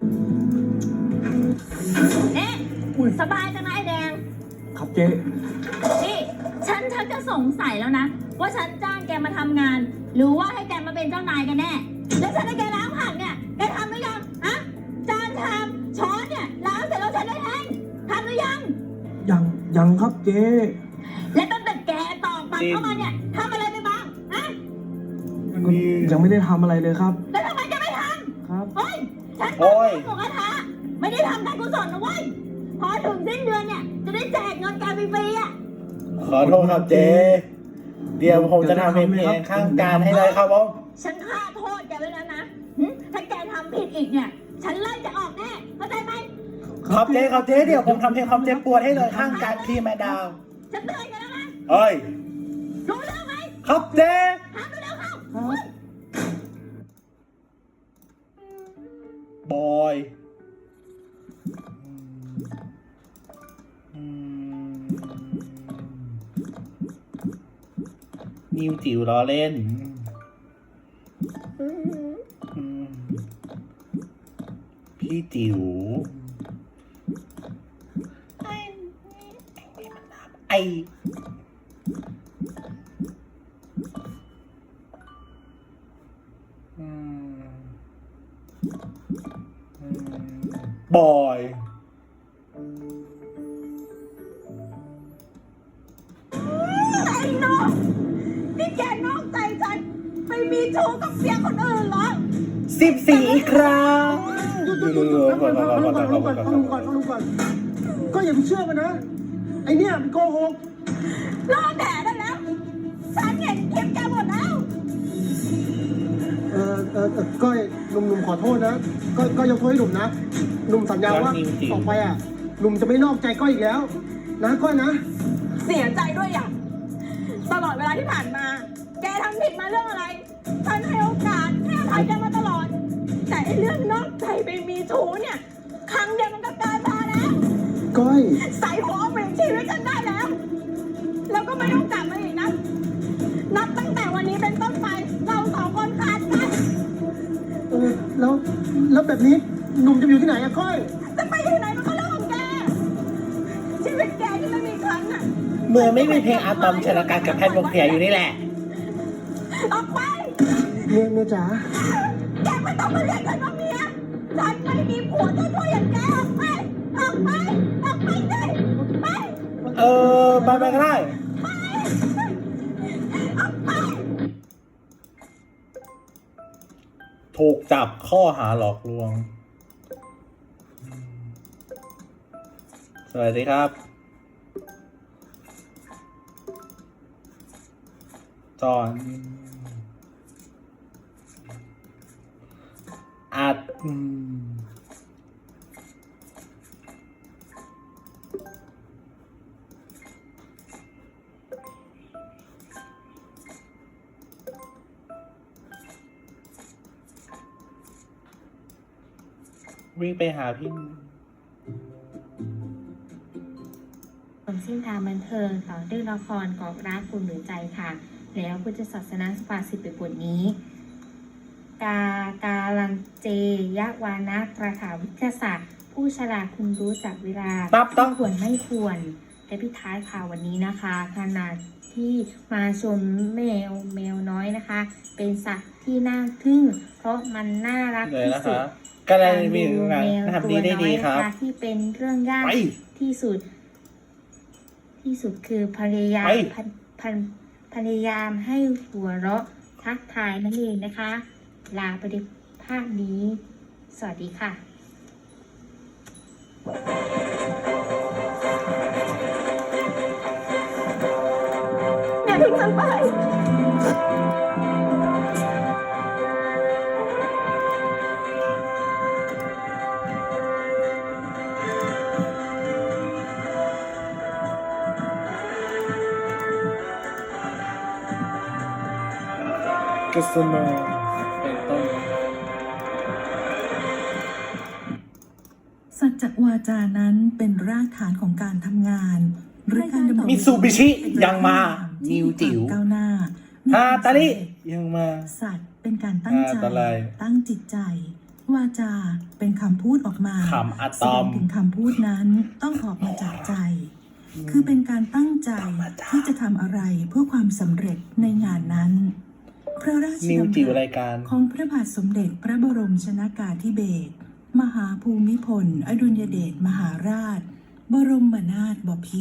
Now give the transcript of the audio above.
เอ๊ะสบายจังนะไอ้แดงครับเจ๊นี่ฉันจะสงสัยแล้วนะว่าฉันจ้างแกมาทำงาน หรือว่าให้แกมาเป็นเจ้านายกันแน่แล้วฉันให้แกล้างผักเนี่ยแกทำหรือยังอะจานชามช้อนเนี่ยล้างเสร็จแล้วฉันได้เองทำหรือยังยังครับเจ๊และตั้งแต่แกตอกบัตรเข้ามาเนี่ยทำอะไรไปบ้างอะยังไม่ได้ทำอะไรเลยครับแล้วทำไมแกไม่ทครับำเฮ้ยฉันโอ้ยหมูกระทะไม่ได้ทำการกุศลนะเว้ยพอถึงสิ้นเดือนเนี่ยจะได้แจกเงินแกฟรีๆอ่ะขอโทษครับเจ๊เดี๋ยวผมจะทำเป็นเพลงข้างการให้เลยครับผมฉันฆ่าโทษแกไว้แล้วนะหึถ้าแกทำผิดอีกเนี่ย ฉันไล่จะออกแน่เข้าใจไหมครับเจ๊ครับเจ๊เดี๋ยวผมทำเพลงความเจ็บปวดให้เลยข้างการที่แม่ดาวฉันเตือนแกแล้วนะเฮ้ยรู้เรื่องไหมครับเจ๊ทำเร็วๆเข้าบอยนิวจิ๋วล้อเล่นพี่จิ๋วไอบอยไอ้น้องนี่แกนอกใจฉันไปมีชู้กับเสียคนอื่นเหรอ 14 อีกครั้งหยุดฟังลุงก่อนก็อย่าไปเชื่อมันนะ ไอเนี่ยมันโกหกรอแผลได้แล้ว ฉันเห็นคลิปแกหมดแล้วก้อยหนุ่มขอโทษนะก็ยกโทษให้หนุ่มนะหนุ่มสัญญาว่าต่อไปอ่ะหนุ่มจะไม่นอกใจก้อยอีกแล้ว นะก้อยนะเสียใจด้วยอย่างตลอดเวลาที่ผ่านมา แกทำผิดมาเรื่องอะไร ฉันให้โอกาสให้อภัยแกมาตลอด แต่ไอ้เรื่องนอกใจไปมีชู้เนี่ย ครั้งเดียวมันก็เกินพอแล้วก้อยใส่หัวเปลี่ยนชีวิตฉันได้แล้ว แล้วก็ไม่ต้องกลับมาอีกนะ นับตั้งแต่วันนี้เป็นต้นไป เราสองคนขาดกันแล้วแบบนี้หนุ่มจะอยู่ที่ไหนอะก้อยจะไปอยู่ไหนมันก็เรื่องของแก ชีวิตแกที่ไม่มีครั้งอ่ะเมื่อไม่มีเพลงอะตอมชนะการกับแพทย์วงเสียอยู่นี่แหละออกไปเมียจ๋าแกไม่ต้องมาเรียกฉันว่าเมียฉันไม่มีผัวจะช่วยอย่างแกออกไป ออกไป ออกไปสิไปไปก็ได้ไป ออกไปถูกจับข้อหาหลอกลวง สวัสดีครับ จอนอัดวิ่งไปหาพี่เส้นทางบันเทิงต่อด้วยละครกอบรักคุณหรือใจค่ะ แล้วพุทธศาสนาภาษิตในบทนี้ การันเจยะวานะประถาวิทยาศาสตร์ ผู้ฉลาดคุณรู้จักเวลาต้องควรไม่ควรและพิท้ายข่าววันนี้นะคะขณะที่มาชมแมวน้อยนะคะ เป็นสัตว์ที่น่าทึ่ง เพราะมันน่ารักเลยที่นะสุคะดก็เลยมีงานทำดีได้ดีครับที่เป็นเรื่องยากไปที่สุดคือพยายามไปพยายามให้หัวเราะทักทายนั่นเองนะคะ ลาไปด้วยภาพนี้ สวัสดีค่ะอย่าทิ้งฉันไปกสโนเป็นต้นสัจจวาจานั้นเป็นรากฐานของการทำงานหรือการดำเนินมิตซูบิชิยังมานิวจิ๋วก้าวหน้าฮาตาลิยังมาสัตว์เป็นการตั้งใจอะไรตั้งจิตใจวาจาเป็นคำพูดออกมาคำอะแสตดอง มถึงคำพูดนั้นต้องออกมาจากใจ คือเป็นการตั้งใจที่จะทำอะไรเพื่อความสำเร็จในงานนั้น พระราชนิวดำจิ๋วรัราสยการของพระบาทสมเด็จพระบรมชนกาธิเบศรมหาภูมิพลอดุลยเดชมหาราช บรมนาถบพิตร